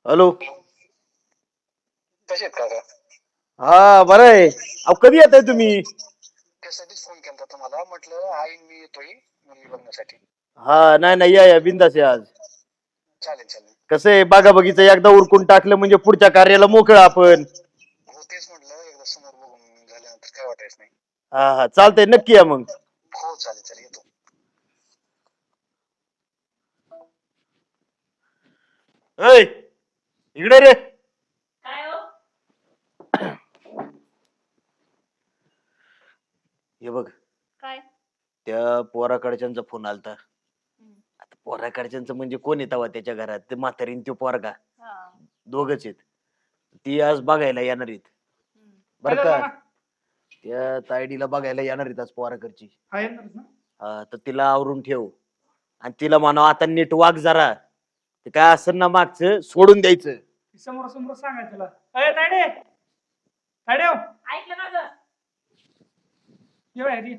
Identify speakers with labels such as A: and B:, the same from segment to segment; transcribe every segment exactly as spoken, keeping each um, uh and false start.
A: Hello.
B: कसे आहेत काका?
A: हा बरं आहे. अहो कधी येत आहे तुम्ही?
B: त्यासाठीच फोन केला तुम्हाला, म्हटलं आई मी येतोय मुलगी बघण्यासाठी.
A: हा नाही नाही या या बिंदास या आज.
B: चालेल चालेल.
A: कसं आहे बागा बगीचं एकदा उरकून टाकलं म्हणजे पुढच्या कार्याला मोकळं आपण.
B: हो तेच म्हटलं, एकदा समोर बघून झाल्यानंतर काय वाटायचं नाही.
A: हा हा चालतंय नक्की या मग.
B: हो चालेल चालेल येतो.
A: ऐ इकडे रे.
C: काय हो?
A: हे बघ
C: काय?
A: त्या पोराकडच्यांचा फोन आलता. आता पोराकडच्यांचं म्हणजे कोण येतावा त्याच्या घरात, ते म्हातारीन तो पोरगा
C: हा.
A: दोघच आहेत. ती आज बघायला येणार आहेत बर का. त्या तायडीला बघायला येणार आहेत आज पोराकडची. हा तर तिला आवरून ठेव आणि तिला म्हणावं आता नीट वाग जरा. ते काय असेल ना मागचं सोडून द्यायचं.
D: समोर समोर सांगायचं तुला. अरे ताडे ताडे हो.
C: ऐकलं ना ग?
D: एवढ्या आधी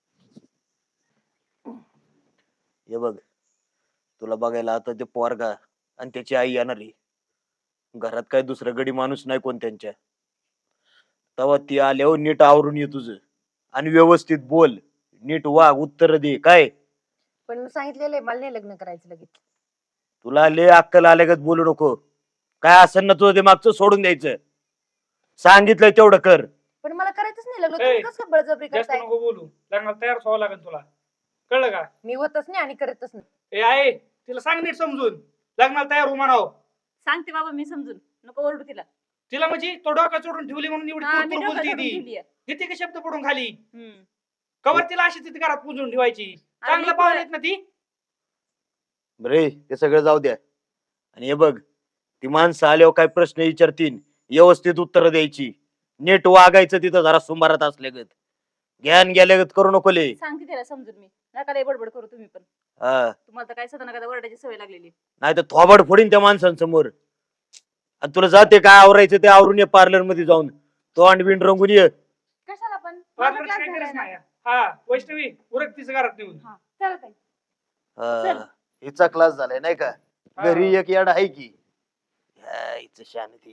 A: हे बघ तुला बघायला आता ते पोरगा आणि त्याची आई येणार आहे. घरात काय दुसरं गडी माणूस नाही कोण त्यांच्या. तेव्हा ती आल्यावर नीट आवरून ये तुझं आणि व्यवस्थित बोल, नीट वाग, उत्तर दे. काय
E: पण मी सांगितलेलं आहे, मला नाही लग्न करायचं लगेच.
A: तुला लय अक्कल आल्यागत बोलू नको. काय असेल ना तुझं ते मागचं सोडून द्यायचं. सांगितलंय तेवढं कर.
E: पण मला करायचंच नाही लग्न.
D: ए,
E: तुम्ही कसं काय बळजबरी
D: जास्त
E: करताय?
D: नको बोलू. लग्नाला तयार व्हावं लागेल तुला, कळलं का?
E: मी होतच नाही आणि करतच नाही.
D: ए आहे तिला सांग नीट समजून, लग्नाला तयार हो म्हणावं.
C: सांगते बाबा मी समजून, नको ओरडू तिला.
D: तिला म्हणजे तो डोका चोडून ठेवली म्हणून एवढी
C: हा, मी
D: तुरतुर
C: डोकं
D: बोलती
C: सोडून
D: ती.
C: ठेवलीये.
D: किती का शब्द पडून खाली.
C: हम्म.
D: कवर तिला अशी तिथे घरात पुजून ठेवायची.
C: अरे
D: चांगलं
C: मी
D: पाहुणे
C: पुढे-
D: आहेत ना ती.
A: बरे ते सगळं जाऊ द्या. आणि हे बघ ती माणसं आल्यावर काय प्रश्न विचारतील व्यवस्थित उत्तर द्यायची. नीट वागायचं तिथं जरा सुमारात असल्यागत. ज्ञान गेल्यागत करू नको ले.
C: सांगते तिला समजून मी. नका लय बडबड करू तुम्ही पण.
A: हा
C: तुम्हाला तर काय सदा नका ओरडायची सवय लागलेली.
A: नाही तर थोबाड फोडीन त्या माणसांसमोर. आणि तुला जाते काय आवरायचं ते आवरून ये पार्लर मध्ये जाऊन. तोंड बिंड रंगून ये.
E: कशाला पण?
D: पार्लरची काही गरज नाही. हा वैष्णवी उरक तिचं घरात नेऊन.
E: चालत आहे.
A: हा, हिचा क्लास झालाय नाही का.
D: हा.
A: घरी एक याड आहे की. हा, हिचं शांती.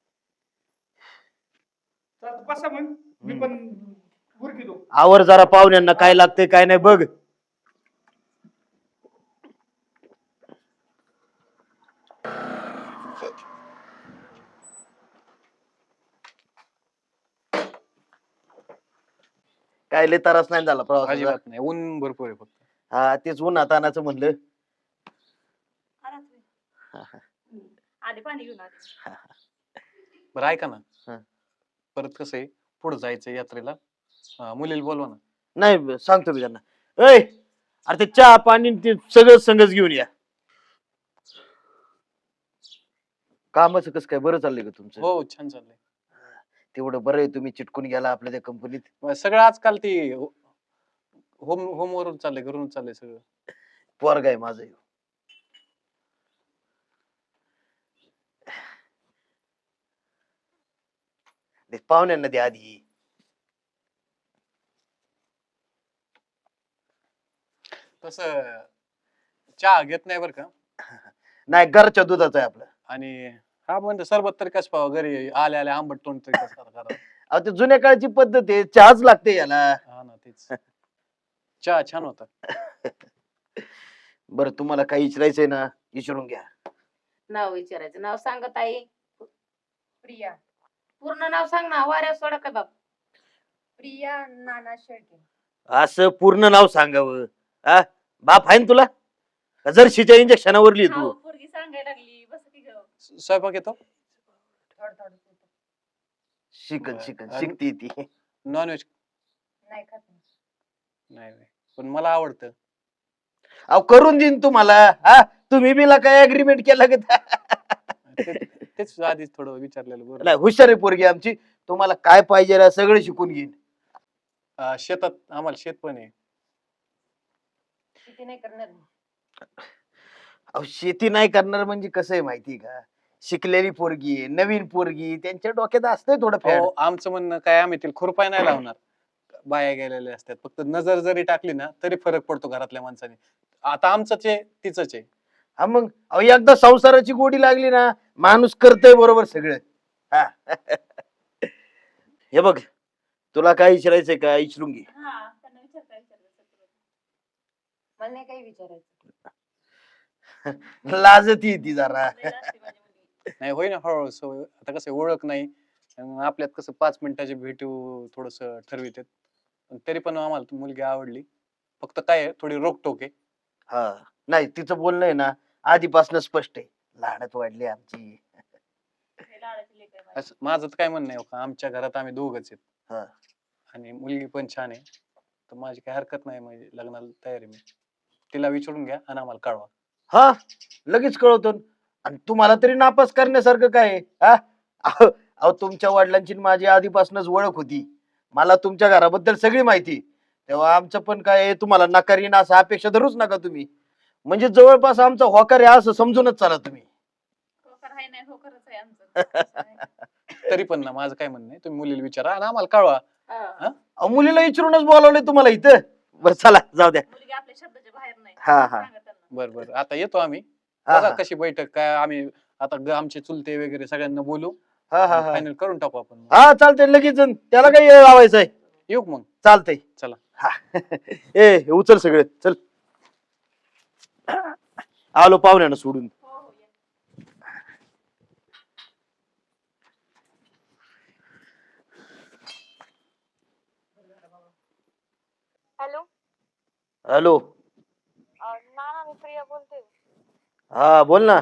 D: चालतं, बसा मग मी पण उरकितो.
A: आवर जरा पाहुण्यांना काय लागतंय काय नाही बघ. काय लय त्रास नाही झाला प्रवासाचा?
F: अजिबात नाही, ऊन भरपूर आहे फक्त.
A: हा तेच उन्हात आणायचं म्हणलं.
C: आला तुम्ही. आधी पाणी घेऊन आले.
F: बरं ऐका ना,
A: हा.
F: परत कसं आहे पुढे जायचं यात्रेला, अं, मुलीला बोलवा ना.
A: नाही सांगतो मी त्यांना. ऐ अरे ते चहा पाणी ते सगळं संगच घेऊन या. कामाचं कसं काय बरं चाललंय का तुमचं?
F: हो छान चाललंय.
A: तेवढं बरं आहे तुम्ही चिटकून गेला आपल्या त्या कंपनीत.
F: मग सगळं आजकाल ती होम होम वरून चाललंय, घरून चाललंय सगळं.
A: पोरगा आहे माझं ह्यो. ते पाहुण्यांना द्या आधी.
F: तसं चहा घेत नाही बरं का.
A: नाही घरच्या दुधाचं आहे आपलं.
F: आणि हा म्हणतो सरबत तरी कसं पाहावं, घरी आल्या आल्या आंबट तोंड तरी कसं करावं.
A: अहो ते जुन्या काळची पद्धत आहे, चहाच लागते याला.
F: हा ना तेच. चहा छान होता.
A: बरं तुम्हाला काही विचारायचंय ना विचारून घ्या.
G: नाव विचारायचं. नाव सांगत आई. प्रिया. पूर्ण नाव सांग ना, वाऱ्या सोडा का बाप.
E: प्रिया नाना शेळके.
A: असं पूर्ण नाव सांगावं. हा बाप आहे ना तुला? का जर्शीच्या इंजेक्शनावर लिहितो?
C: अहो, पोरगी सांगायला लागली. बस की गं.
F: स- स्वयंपाक येतो.
E: थोडं थोडं येतं.
A: शिकन
F: बरं.
A: शिकन
F: आणि-
A: शिकती ती.
F: नॉनव्हेज
E: नाही खात मी.
F: नाही नाही. पण मला आवडतं.
A: अहो करून देईन तुम्हाला. हा तुम्ही बिला काय अग्रीमेंट केला का?
F: ते- तेच आधीच थोडं विचारलेलं बरं.
A: नाही हुशार आहे पोरगी आमची. तुम्हाला काय पाहिजे ना सगळं शिकून घेईन.
F: अं, शेतात आम्हाला शेत पण आहे.
E: शेती नाही करणार मी.
A: अहो शेती नाही करणार म्हणजे कसं आहे माहिती का. शिकलेली पोरगी आहे, नवीन पोरगी, त्यांच्या डोक्यात असतंय थोडं फॅड.
F: हो आमचं म्हणणं काय, आम्ही तिला खुरपाय नाही लावणार. बाया गेलेल्या असतात, फक्त नजर जरी टाकली ना तरी फरक पडतो घरातल्या माणसाने. आता आमचंच आहे तिचंच आहे.
A: हा मग अहो एकदा संसाराची गोडी लागली ना माणूस करतय बरोबर सगळं. हा हे बघ तुला काय विचारायचंय का विचारून घे.
C: हा त्यांना विचार काय विचारायचं.
E: मला नाही काही विचारायचं.
A: लाजती ती जरा.
C: लय लाजते माझी मुलगी.
F: नाही होई ना हळूहळू सवय. आता कसं आहे, ओळख नाही अन आपल्यात कसं पाच मिनिटाची भेटू थोडस ठरवितात. पण तरी पण आम्हाला ती मुलगी आवडली. फक्त काय आहे, थोडी रोकटोक आहे.
A: हा नाही तिचं बोलणं आहे ना आधीपासून स्पष्ट आहे. लाडत वाढली आमची.
C: लय लाडाची लेक आहे माझी.
F: असं माझं तर काय म्हणणं आहे हो का, आमच्या घरात आम्ही दोघच आहेत
A: हा
F: आणि मुलगी पण छान आहे. तर माझी काही हरकत नाही, म्हणजे लग्नाला तयार आहे मी. तिला विचारून घ्या आणि आम्हाला कळवा.
A: हा लगेच कळवतो. आणि तुम्हाला तरी नापास करण्यासारखं काय आहे? हा अहो अहो, तुमच्या वडिलांची आणि माझी आधीपासूनच ओळख होती. मला तुमच्या घराबद्दल सगळी माहिती. तेव्हा आमचं पण काय आहे, तुम्हाला नकारीन असं अपेक्षा धरूच नका तुम्ही. म्हणजे जवळपास आमचा होकार आहे असं समजूनच चाला तुम्ही.
C: होकार आहे नाही होकारच आहे आमचं.
F: तरी पण ना माझं काय म्हणणं आहे, तुम्ही मुलीला विचारा आणि आम्हाला कळवा.
C: हा.
A: अहो, मुलीला विचारूनच बोलावलंय तुम्हाला इथं. बरं चला जाऊ द्या.
C: मुलगी आपल्या शब्दाच्या बाहेर नाही.
A: हा हा
C: सांगा त्यांना.
F: बरं बरं आता येतो आम्ही.
A: हा
F: बघा
A: हा
F: कशी बैठक काय आम्ही आता ग- आमचे चुलते वगैरे सगळ्यांना बोलू.
A: हा हा हा
F: फायनल करून टाकू आपण.
A: हा चालतंय लगेच जण. त्याला काही वेळ लावायचा आहे.
F: येऊ का मग.
A: चालतंय
F: चला.
A: हा ए हे उचल सगळं चल. आलो पाहुण्यानं सोडून.
C: हो हो या.
H: हॅलो
A: हॅलो
H: नाना मी प्रिया बोलते.
A: हा बोल ना.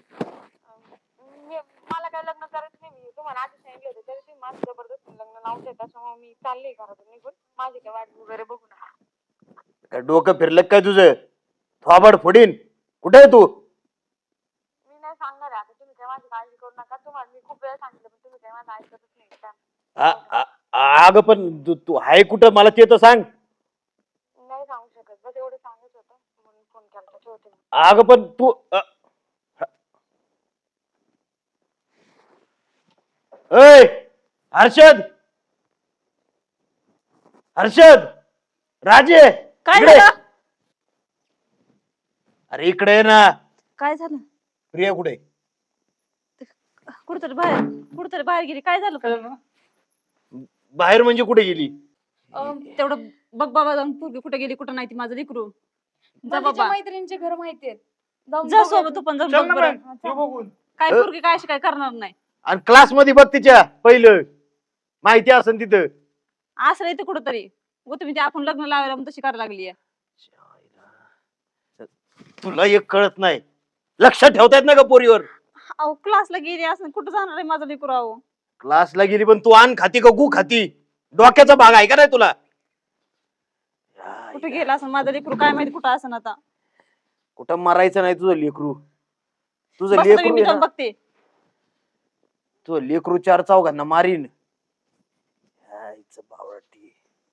H: मी मला काय लग्न करायचं नाही. मी तुम्हाला आधी सांगितलं होतं तरी तुम्ही माझं जबरदस्ती लग्न लावते. त्याच्यामुळे मी चालले घरातून निघून. माझी काय वाट वगैरे बघू नका.
A: काय डोकं फिरलं काय तुझं? थोबाड फोडीन. कुठे आहे तू?
H: मी नाही सांगणार आहे आता. तुम्ही काय माझी काळजी करू नका. तुम्हाला मी खूप वेळ सांगितलं पण तुम्ही काय माझं ऐकतच नाही. त्या-
A: आ- आ- अगं पण तू तू आहे कुठं मला ते तर सांग.
H: नाही सांगू शकत. बस एवढं सांगत होतं म्हणून फोन केला. ठेवते मी.
A: अगं पण तू अ- ऐ हर्षद हर्षद राजे
C: काय
A: इकडे.
C: झालं?
A: अरे इकडे ये ना.
C: काय झालं?
A: प्रिया कुठे?
C: कुठतरी बाहेर कुठतरी बाहेर गेली. काय झालं?
D: काय झालं?
A: बाहेर म्हणजे कुठे गेली?
C: अं, तेवढं बघ बाबा जाऊन पोरगी कुठे गेली कुठं नाही ती माझं लेकरू. जा
E: मला तिच्या
C: बाबा
E: मैत्रिणींचे घर माहितीये. जाऊन
C: जा
E: बघा.
C: सोबत तू पण जाऊन
D: चल
C: बघ
D: ना
C: बरं.
D: बाई, येऊ बघून.
C: काय
A: अ?
C: पोरगी काय अशी काय करणार नाही.
A: आणि क्लास मध्ये बघ तिच्या पहिलं माहिती असेल तिथं.
C: असं नाही ते कुठंतरी व तुम्ही ते आपण लग्न लावायला मग तशी करायला लागली.
A: तुला एक कळत नाही. लक्षात ठेवतायत ना का पोरीवर?
C: अहो क्लासला गेली असं कुठं जाणार आहे माझं लेकरू? अहो
A: क्लासला गेली पण तू आण खाती का गु खाती? डोक्याचा भाग आहे का नाही तुला?
C: कुठे गेला असं माझं लेकरू काय माहिती कुठं असं आता.
A: कुठं मारायचं नाही तुझं लेकरू. तुझं
C: बस तुम्ही,
A: लेकरू
C: मी
A: आहे
C: जाऊन
A: ना,
C: बघते.
A: तुझं लेकरू चार चौघांना मारीन. आईचं बावळटी.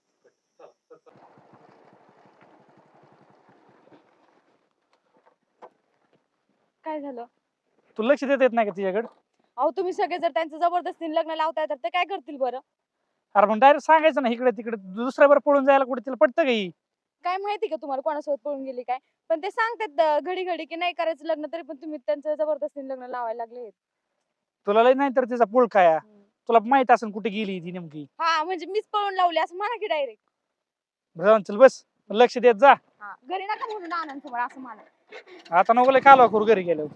H: काय झालं?
D: तू लक्ष देत येत नाही का तिच्याकडे?
H: अहो तुम्ही सगळे जर त्यांचं जबरदस्तीने लग्न लावताय तर ते काय करतील बरं?
D: अरे पण डायरेक्ट सांगायचं ना इकडे तिकडे. दुसऱ्यावर पळून जायला कुठे तिला पटतं का ही?
H: काय माहिती का तुम्हाला कोणासोबत पळून गेली काय? पण ते सांगतात अं, घडी घडी की नाही करायचं लग्न तरी पण तुम्ही त्यांचं जबरदस्तीने लग्न लावायला लागले.
D: तुला लय नाही तर तिचा पुळ काय तुला माहित असेल कुठे गेली ती नेमकी.
H: हा म्हणजे मीच पळून लावली असं म्हणा की डायरेक्ट.
D: जाऊन चल बस लक्ष देत जा.
H: घरी नका म्हणून आनंद असं म्हणा.
D: आता नको लय कालवा करू घरी गेलो.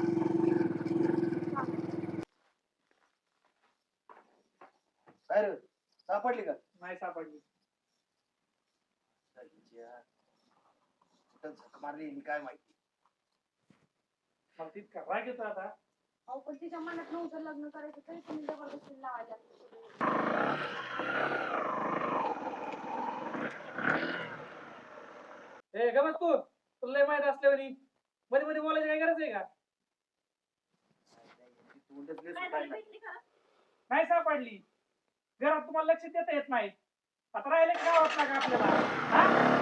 A: काय रे, सापडली का?
D: नाही सापडली.
A: कुठं झक मारली हिने काय माहिती.
D: मला तितका राग येतो आता.
H: अहो पण तिच्या मनात नव्हतं लग्न करायचं तरी तुम्ही जबरदस्तीने लावायला लागले.
D: ए गमत तू तुला लय माहित असल्यावर मध्ये मध्ये बोलायची काय गरज आहे का? नाही सापडली. घरात तुम्हाला लक्ष देता येत नाही. आता राहिले की गावात लागा आपल्याला. हा?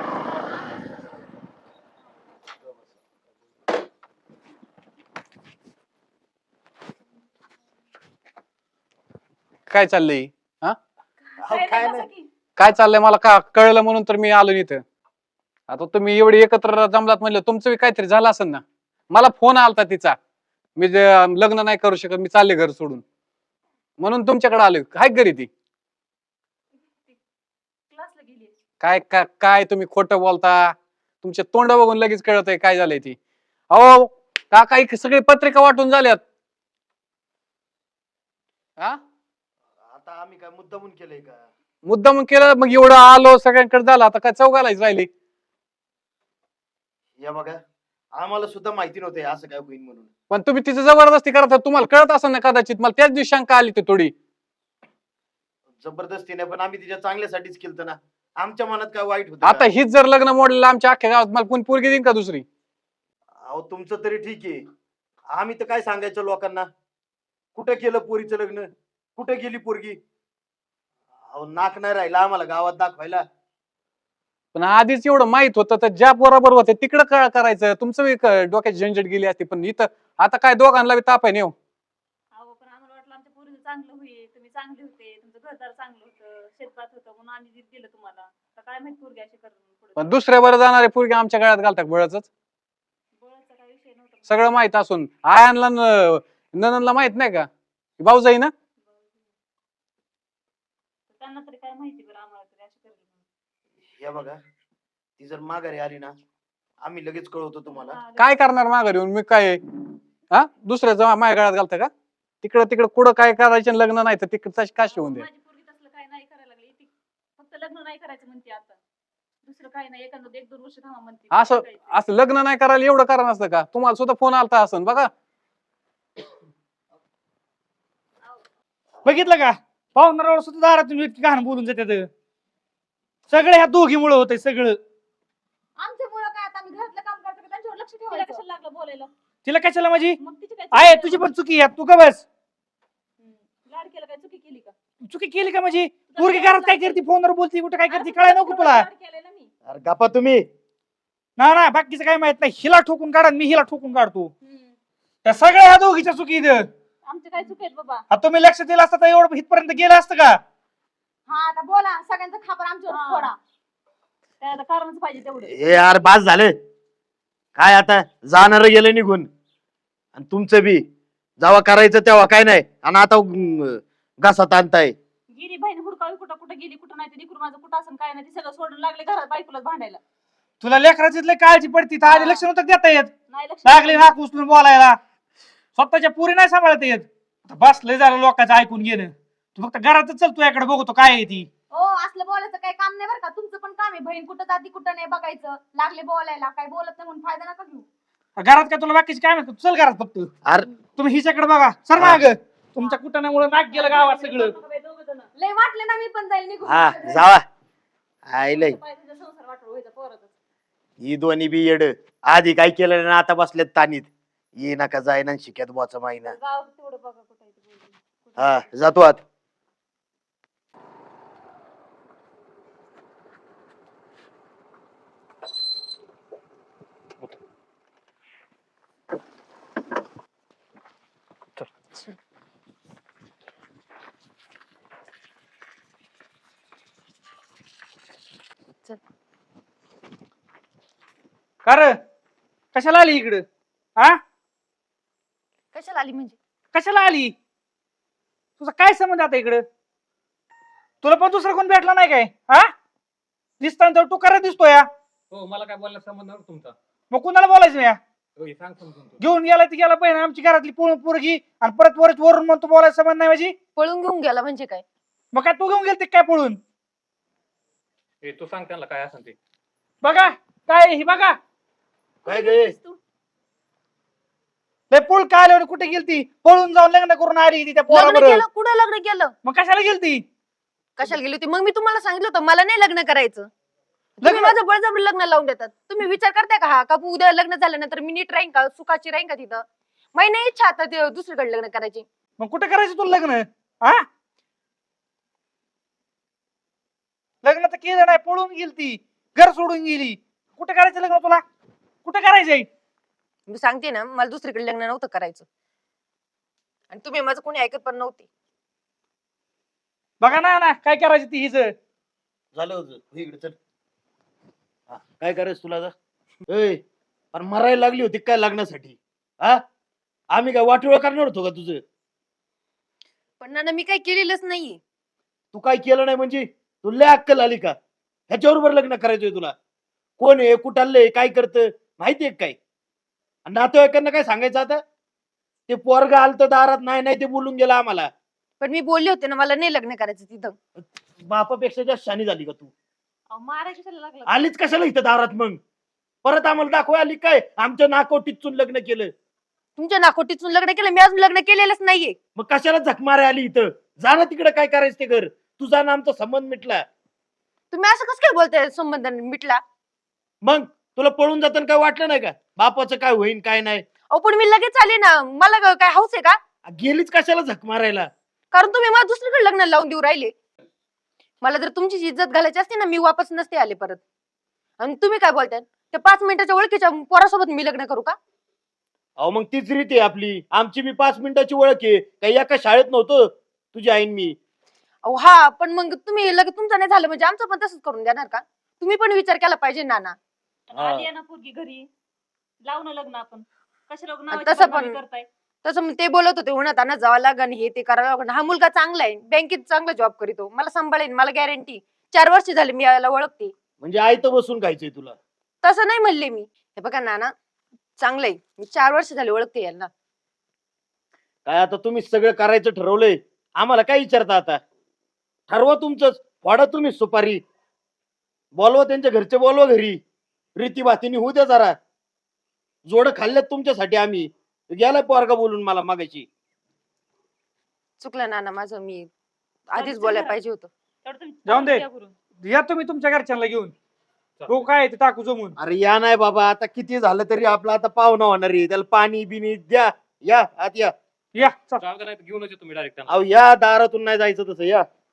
F: काय चाललंय? हा
A: अहो, काय नाही.
F: काय चाललंय मला का कळलं म्हणून तर मी आलो इथं. आता तुम्ही एवढे एकत्र जमलात म्हणलं तुमचं बी काहीतरी झालं असेल ना. मला फोन आलता तिचा, मी जे लग्न नाही करू शकत, मी चालले घर सोडून, म्हणून तुमच्याकडे आलोय. काय घरी ती?
C: क्लासला गेली.
F: काय काय काय तुम्ही खोटं बोलता, तुमचे तोंड बघून लगेच कळत आहे काय झालंय ती. अहो काका ही सगळी पत्रिका वाटून झाल्यात. हा
A: आता आम्ही काय मुद्दामून केलंय का?
F: मुद्दाम केलं, मग एवढं आलो सगळ्यांकडे झालं, आता काय चौघालाच राहिली.
A: या बघा, आम्हाला सुद्धा माहिती नव्हते असं काय होईल म्हणून.
F: पण तुम्ही तिची जबरदस्ती करत होता, तुम्हाला कळत असेल ना कदाचित. मला त्याच दिवशी शंका आली ती थोडी.
A: जबरदस्तीने पण आम्ही तिच्या चांगल्यासाठीच केलं ना. आमच्या मनात काय वाईट होतं
F: आता
A: का?
F: हीच जर लग्न मोडलेलं आमच्या अख्ख्या गावात, मला कोणी पोरगी देईन का दुसरी?
A: अहो तुमचं तरी ठीक आहे, आम्ही तर काय सांगायचं लोकांना. कुठे केलं पोरीचं लग्न, कुठे गेली पोरगी? अहो नाक नाही राहिला आम्हाला गावात दाखवायला.
F: पण आधीच एवढं माहित होतं तर ज्या बरोबर होते तिकडं काय करायचं, तुमचं बी क- डोक्यात झंझट गेली असती. पण इथं आता काय दोघांना बी ताप आहे नेऊ.
C: अहो पण आम्हाला वाटलं आमच्या पोरीचं चांगलं होईल, तुम्ही चांगले होते, तुमचं घरदार चांगलं होतं, शेतभात होतं, म्हणून आम्ही दि- दिलं तुम्हाला. आता काय माहित पोरगी अशी करून पुढे.
F: पण दुसऱ्या बरं जाणारे पोरगी आमच्या गळ्यात घालतात बळच.
C: बळाचा काय विषय नव्हता.
F: सगळं माहित असून आयांना न- ननंदला माहित नाही का भाऊ जाई ना?
C: त्यांना तरी काय माहिती बरं, आम्हाला तरी अशी करली म्हणून.
A: या बघा, ती जर माघारी आली ना, आम्ही लगेच कळवतो तुम्हाला.
C: हा,
F: काय करणार माघारी येऊन मी? काय हा दुसऱ्याचं माझ्या गळ्यात घालतं का? तिकडं तिकडं कुठं काय करायचं लग्न नाही तर तिकडं तशी काशी होऊन दे.
C: माझी पोरगी तसलं काय नाही करायला लागली, ती फक्त लग्न नाही करायचं म्हणते आता. दुसरं काय नाही, एखादं एक दोन वर्ष थांबा म्हणते.
F: असं असं लग्न नाही करायला एवढं करा नसतं का? तुम्हाला सुद्धा फोन आलता असं बघा.
D: बघितलं का, पाहुणाऱ्यावर सुद्धा दारातून इतकी घाण बोलून जातात. सगळं ह्या दोघीमुळे होतंय सगळं.
E: आमच्यामुळं काय, आता आम्ही घरातलं काम करतो का त्यांच्यावर लक्ष
C: तिला
E: ठेवायचं?
C: कशाला लागलं बोलायला?
D: तिला कशाला माझी
C: मग तिची काय
D: आहे,
C: चुकी
D: तुझी
C: केली?
D: पण चुकी आहे, तू का बस.
C: हम्म. लाड केलं काय, चुकी केली का?
D: चुकी केली का माझी? पोरगी घरात काय करते, फोनवर बोलती, कुठे काय करते, कळाय नको तुला?
C: लाड केलंय ना मी.
A: अरे गप्पा तुम्ही.
D: ना ना बाकीचं काय माहित नाही. हिला ठोकून काढा, मी हिला ठोकून काढतो.
C: हम्म.
D: त्या सगळ्या ह्या दोघीच्या चुकी इथं.
C: आमचे काय चुकी आहेत बाबा?
D: आता तुम्ही लक्ष दिलं असतं तर एवढं इथपर्यंत गेलं असतं का?
E: हा आता बोला, सगळ्यांचा खापर आमच्यावर
C: हा.
E: फोडा.
C: काय आता कारणच पाहिजे तेवढं.
A: ए यार बास झालं. काय आता जाणार गेलं निघून, आणि तुमचं बी जेव्हा करायचं तेव्हा काय नाही, आणि आता अं, घासात आणताय.
C: गेली बहीण हुडकावी, कुठं कुठं गेली, कुठं नाही, ते लेकरू माझं कुठं असं काय नाही, ते सगळं सोडून लागले घरात बायकोलाच भांडायला.
D: तुला लेकराची लय काळजी पडती, तर आधी लक्ष नव्हतं देता येत.
C: नाही लक्ष
D: लागली नाक उचलून बोलायला. स्वतःच्या पुरी नाही सांभाळता येत. आता बस लय झालं लोकांचं ऐकून घेणं. तू फक्त घरातच चल, तुझ्याकडे बघतो काय आहे ती.
E: हो असलं बोलायचं काही काम नाही बरं का. तुमचं पण काम आहे, बहीण कुठं जाती कुठं नाही बघायचं. लागले बोलायला, काय बोलत नाही म्हणून फायदा नका घेऊ.
D: घरात काय तुला बाकीची काय माहिती, चल घरात फक्त.
A: अरे
D: तुम्ही हिच्याकडे बघा, सर माग. तुमच्या कुटाण्यामुळे नाक गेलं गावात सगळं.
E: लय वाटले ना मी पण जाईल निघून.
A: हा जावा. आईलय
C: संसार वाटोळ व्हायचा पोरातच.
A: ही दोन्ही बी येड. आधी काय केलं ना, आता बसलेत तानीत. ये नका जाय ना शिक्यात बोचा माहिना.
C: गाव तेवढं बघा कुठं आहे ते पोरगी. कुठं
A: हा जातो आत.
D: का रे, कशाला आली इकडं? हा
E: कशाला आली म्हणजे?
D: कशाला आली? तुझा काय संबंध आता इकडं? तुला पण दुसरा कोण भेटला नाही काय? हा दिसताना तर तू करत दिसतो या.
F: हो मला काय बोलण्यात संबंध नाही तुमचा.
D: मग कुणाला बोलायचं या?
F: सांग समजून.
D: घेऊन गेला ती गेला पाहिजे आमची घरातली पोर- पोरगी, आणि परत वरच वरून म्हणतो बोलायचं संबंध नाही माझी.
E: पळून घेऊन गेला म्हणजे काय?
D: मग काय तू घेऊन गेलती काय पळून?
F: तू सांग त्यांना काय असेल ते.
D: बघा काय आहे ही, बघा
A: काय गे?
D: लय पूल काय आल्यावर कुठे गेलती? पळून जाऊन लग्न करून आली ती त्या
E: लग्न
D: पोराबरोबर.
E: केलं? कुठं लग्न केलं?
D: मग कशाला गेलती?
E: कशाला गेली होती? मग मी तुम्हाला सांगितलं होतं मला नाही लग्न करायचं. तुम्ही
D: लग्न-
E: माझं बळजबरी लग्न लावून देतात. तुम्ही विचार करताय का हा का उद्या लग्न झाल्यानंतर मी नीट राहीन का, सुखाची राहीन का तिथं? माझी नाही इच्छा आता ते दुसरीकडे लग्न करायची.
D: मग कुठे करायचं तुला लग्न? हा लग्न तर केलं नाही, पळून गेलती, घर सोडून गेली. कुठे करायचं लग्न तुला? कुठे करायचंय?
E: मी सांगते ना, मला दुसरीकडे लग्न नव्हतं करायचं, आणि तुम्ही माझं कोणी ऐकत पण नव्हती.
D: बघा ना ना काय करायचं ती हिच.
A: झालं होतं इकडे चल. हा, काय करायचं तुला आता? ए पण मरायला लागली होती काय लग्नासाठी? हा आम्ही काय वाटोळ करणार होतो का तुझं?
E: पण नाना मी काही केलेलंच नाहीये.
A: तू काय केलं नाही म्हणजे तुला अक्कल आली का? ह्याच्याबरोबर लग्न करायचंय तुला? कोण आहे, कुठालय, काय करतं माहितीये का काय? आणि नातेवाईकांना काय सांगायचं आता? ते पोरग आलतं दारात, नाही नाही ते बोलून गेला आम्हाला.
E: पण मी बोलले होते ना मला नाही लग्न करायचं तिथं.
A: बापापेक्षा जास्त शानी झाली का तू?
C: अहो, मारायला कशाला लागलं?
A: आलीच कशाला इथं दारात मग? परत आम्हाला दाखवा आली काय आमच्या नाकोटीतून लग्न केलं?
E: तुमच्या नाकोटीतून लग्न केलं, मी अजून लग्न केलेलंच नाहीये.
A: मग कशाला झक मारायला आली इथं? जा ना तिकडे, काय करायचं ते घर. तुझा ना आमचा संबंध मिटला.
E: तुम्ही असं कसं काय बोलताय संबंध मिटला?
A: मग तुला पळून जाताना काय वाटलं नाही का बापाचं काय होईन काय नाही?
E: अहो पण मी लगेच आले ना, मला ग- काय हौस आहे का?
A: गेलीच कशाला झक मारायला?
E: कारण तुम्ही मला दुसरीकडे लग्न लावून देऊ राहिले. मला जर तुमची इज्जत घालायची असते ना, मी वापस नसते आले परत. आणि तुम्ही काय बोलताय? त्या पाच मिनिटाच्या ओळखीच्या पोरासोबत मी लग्न करू का?
A: अहो मग तीच रीत आहे आपली. आमची बी पाच मिनिटाची ओळख आहे. काही एका शाळेत नव्हतं तुझी आईन मी.
E: अहो हा, पण मग तुम्ही लगेच तुमचं नाही झालं म्हणजे आमचं पण तसंच करून देणार का? तुम्ही पण विचार केला पाहिजे नाना.
C: पण आली आहे ना पोरगी घरी, लावू ना लग्न आपण. कशा लग्न
E: आणि तसं पण-
C: करताय?
E: तसं मग ते बोलत होते उन्हात आणत जावं लागन, हे ते करावं लागन. हा मुलगा चांगला आहे, बँकेत चांगला जॉब करीतो, मला सांभाळेन, मला गॅरंटी. चार वर्ष झाले मी याला ओळखते.
A: म्हणजे आई तर बसून खायचंय तुला?
E: तसं नाही म्हणले मी. हे बघा नाना, चांगलंय, मी चार वर्ष झाले ओळखते यांना.
A: काय आता तुम्ही सगळं करायचं ठरवलंय, आम्हाला काय विचारता आता? ठरवा तुमचंच, वाढा तुम्ही सुपारी. बोलवा त्यांच्या घरचे, बोलवा घरी. रीती भातीने होऊ द्या जरा. जोड खाल्ल्यात तुमच्यासाठी आम्ही. गेलाय पोरगा बोलून मला मागायची.
E: चुकलं नाना माझं, मी आधीच
C: चल
E: बोलायला
C: घरात.
E: पाहिजे होतं.
C: तेवढं तुम्ही
D: जाऊन दे.
C: या करून.
D: या तुम्ही तुमच्या घरच्यांना घेऊन. हो काय ते टाकू जमून.
A: अरे या नाही बाबा, आता किती झालं तरी आपला आता पाहुणा होणार आहे. त्याला पाणी बिनी द्या. या आत या.
D: या चल.
F: घेऊनच येतो मी डायरेक्ट.
A: अहो या दारातून नाही जायचं तसं, या.